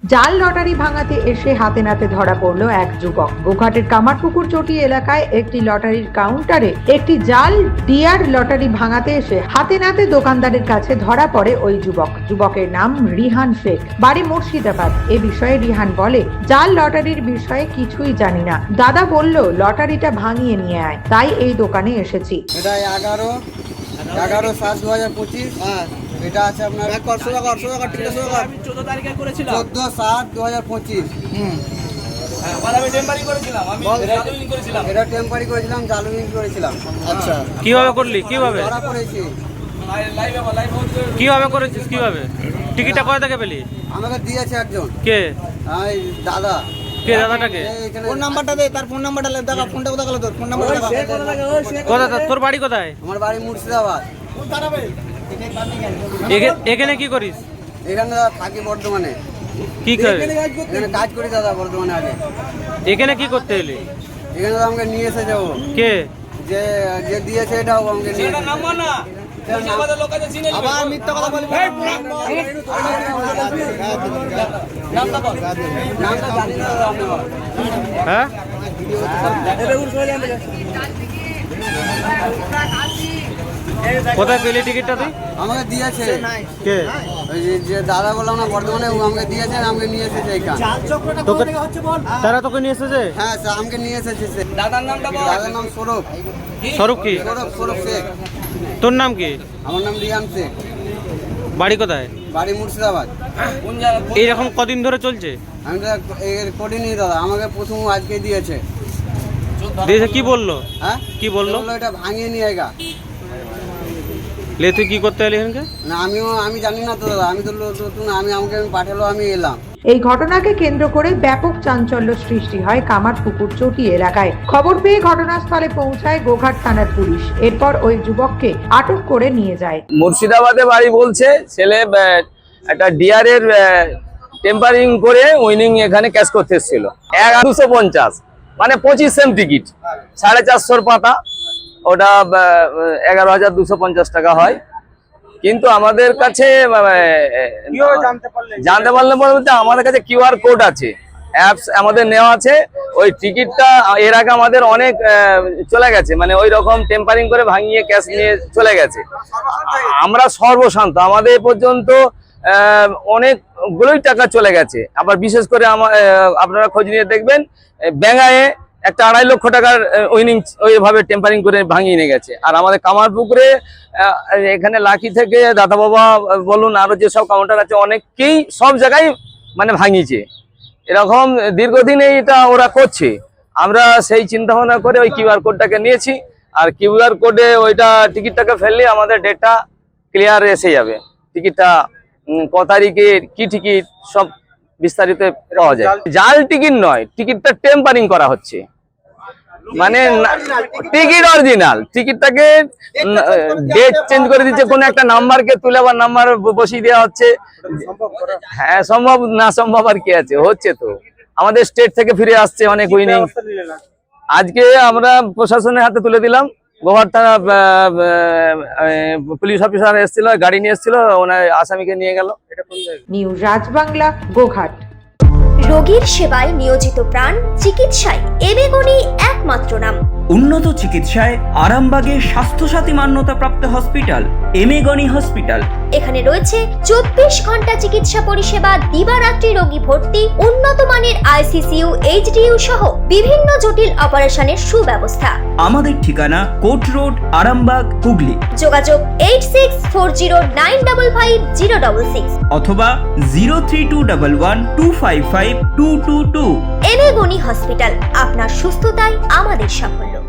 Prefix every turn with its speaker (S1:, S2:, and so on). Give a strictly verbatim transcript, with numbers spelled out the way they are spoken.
S1: জাল লটারি ভাঙাতে এসে হাতে নাতে ধরা পড়লো এক যুবক। গোঘাটের কামারপুকুর চটি এলাকায় একটি লটারির কাউন্টারে একটি জাল ডিয়ার লটারি ভাঙাতে এসে হাতে নাতে দোকানদারের কাছে ধরা পড়ে ওই যুবক। যুবকের নাম রিহান শেখ, বাড়ি মুর্শিদাবাদ। এ বিষয়ে রিহান বলে, জাল লটারির বিষয়ে কিছুই জানি না, দাদা বলল লটারিটা ভাঙিয়ে নিয়ে আয়, তাই এই দোকানে এসেছি।
S2: এটা এগারো এগারো সাত দু হাজার পঁচিশ। এটা আছে আপনার চোদ্দ সাত দু হাজার পঁচিশ। এটা টেম্পারি করেছিলাম, জালুইং করেছিলাম।
S3: আচ্ছা, কিভাবে করলি? কিভাবে
S2: ধরা পড়েছি?
S3: কিভাবে করেছিস? কিভাবে টিকিটটা কোথা থেকে পেলি?
S2: আমাকে দিয়েছে একজন।
S3: কে?
S2: এই দাদা।
S3: কে দাদাটাকে?
S2: ফোন নাম্বারটা দে, তার ফোন নাম্বারটা দেখা। ফোনটা কোথা গেল তোর? ফোন নাম্বারটা
S3: কোথা? তোর বাড়ি কোথায়?
S2: আমার বাড়ি মুর্শিদাবাদ।
S3: এখানে কি করিস?
S2: এখানে থাকি বর্ধমানে।
S3: কি করে?
S2: এখানে কাজ করি দাদা বর্ধমানে। আগে
S3: এখানে কি করতে এলি?
S2: এখানে আমাকে নিয়ে এসে যাবো।
S3: কে
S2: যে যে দিয়েছে এটাও আমাকে নিয়ে এসে আবার মিথ্যা কথা বলি।
S3: হ্যাঁ, কোথায় পেলি টিকিটটা তুই?
S2: আমাকে দিয়েছে
S3: কে?
S2: ওই যে দাদা বললাম না বর্ধমানে, ও আমাকে দিয়েছে, আমাকে নিয়ে এসেছে এখানে।
S3: তোকে তারা তোকে নিয়ে এসেছে?
S2: হ্যাঁ স্যার, আমাকে নিয়ে এসেছে। দাদার নামটা বল। দাদার নাম সৌরভ।
S3: স্বরূপ কি?
S2: সৌরভ সৌরভ শেখ।
S3: তোর নাম কি?
S2: আমার নাম রিয়ান শেখ।
S3: বাড়ি কোথায়?
S2: বাড়ি মুর্শিদাবাদ।
S3: এইরকম কদিন ধরে চলছে?
S2: আমি তো এর করিনি দাদা, আমাকে প্রথম আজকে দিয়েছে।
S3: দিয়েছে কি বললো?
S2: হ্যাঁ
S3: কি বললো?
S2: এটা ভাঙিয়ে নিয়ে গা।
S3: লে তুই কি করতে এলি এখানকে?
S2: না আমিও আমি জানি না তো দাদা, আমি তো নতুন, আমি আমাকে আমি পাঠালো, আমি এলাম।
S1: এই ঘটনাকে কেন্দ্র করে ব্যাপক চাঞ্চল্য সৃষ্টি হয় কামারপুকুর চটি এলাকায়। খবর পেয়ে ঘটনাস্থলে পৌঁছায় গোঘাট থানার পুলিশ। এরপর ওই যুবককে আটক করে নিয়ে যায়।
S4: মুর্শিদাবাদে বাড়ি বলছে, ছেলে একটা ডিয়ারের টেম্পারিং করে উইনিং এখানে ক্যাশ করতে এসেছিল। এগারোশো পঞ্চাশ মানে পঁচিশ সেম টিকিট, সাড়ে চারশোর পাতা, ওটা এগারো হাজার দুশো পঞ্চাশ টাকা হয়। কিন্তু আমাদের কাছে জানতে পারলে বলতে আমাদের কাছে কিউআর কোড আছে, অ্যাপস আমাদের নেওয়া আছে। ওই টিকিটটা এর আগে আমাদের অনেক চলে গেছে, মানে ওই রকম টেম্পারিং করে ভাঙিয়ে ক্যাশ নিয়ে চলে গেছে। আমরা সর্বশান্ত, আমাদের পর্যন্ত অনেকগুলোই টাকা চলে গেছে। আবার বিশেষ করে আপনারা খোঁজ নিয়ে দেখবেন, ব্যাঙ্গায়ে একটা আড়াই লক্ষ টাকার উইনিং ওইভাবে টেম্পারিং করে ভাঙিয়ে নিয়ে গেছে। আর আমাদের কামারপুকুরে এখানে লাকি থেকে দাদা বাবা বলুন, আরো যেসব কাউন্টার আছে অনেককেই সব জায়গায় মানে ভাঙিয়েছে। এরকম দীর্ঘদিন এটা ওরা করছে। আমরা সেই চিন্তা ভাবনা করে ওই কিউআর কোডটাকে নিয়েছি। আর কিউআর কোডে ওইটা টিকিটটাকে ফেললে আমাদের ডেটটা ক্লিয়ার এসে যাবে। টিকিটটা ক তারিখে কি টিকিট সব বিস্তারিত পাওয়া যায়। জাল টিকিট নয়, টিকিটটা টেম্পারিং করা হচ্ছে, মানে টিকিট অরিজিনাল। টিকিটটাকে ডেট চেঞ্জ করে দিচ্ছে, কোন একটা নাম্বারকে তুলে আবার নাম্বার বসিয়ে দেওয়া হচ্ছে। হ্যাঁ, সম্ভব না সম্ভব আর কি আছে, হচ্ছে তো। আমাদের স্টেট থেকে ফিরে আসছে অনেক উইনিং। আজকে আমরা প্রশাসনের হাতে তুলে দিলাম। গোঘাট থানা পুলিশ অফিসার এসেছিল, গাড়ি নিয়ে এসেছিল, ওনার আসামিকে নিয়ে গেল।
S1: নিউজ রাজবাংলা, গোঘাট।
S5: রোগীর সেবায় নিয়োজিত প্রাণ, চিকিৎসায় এবেগুনি একমাত্র নাম।
S6: উন্নত চিকিৎসায় আরামবাগে স্বাস্থ্যসাথী মান্যতাপ্রাপ্ত হসপিটাল এমেগনি হসপিটাল।
S5: এখানে রয়েছে চব্বিশ ঘন্টা চিকিৎসা পরিষেবা, দিবারাত্রি রোগী ভর্তি, উন্নত মানের আইসিসিইউ, এইচডিইউ সহ বিভিন্ন জটিল অপারেশনের সুব্যবস্থা।
S6: আমাদের ঠিকানা কোট রোড, আরামবাগ, হুগলি।
S5: যোগাযোগ eight six four zero nine double five zero double six
S6: অথবা zero three two double one two five five two two two.
S5: এবেগুনি হসপিটাল, আপনার সুস্থতাই আমাদের সাফল্য।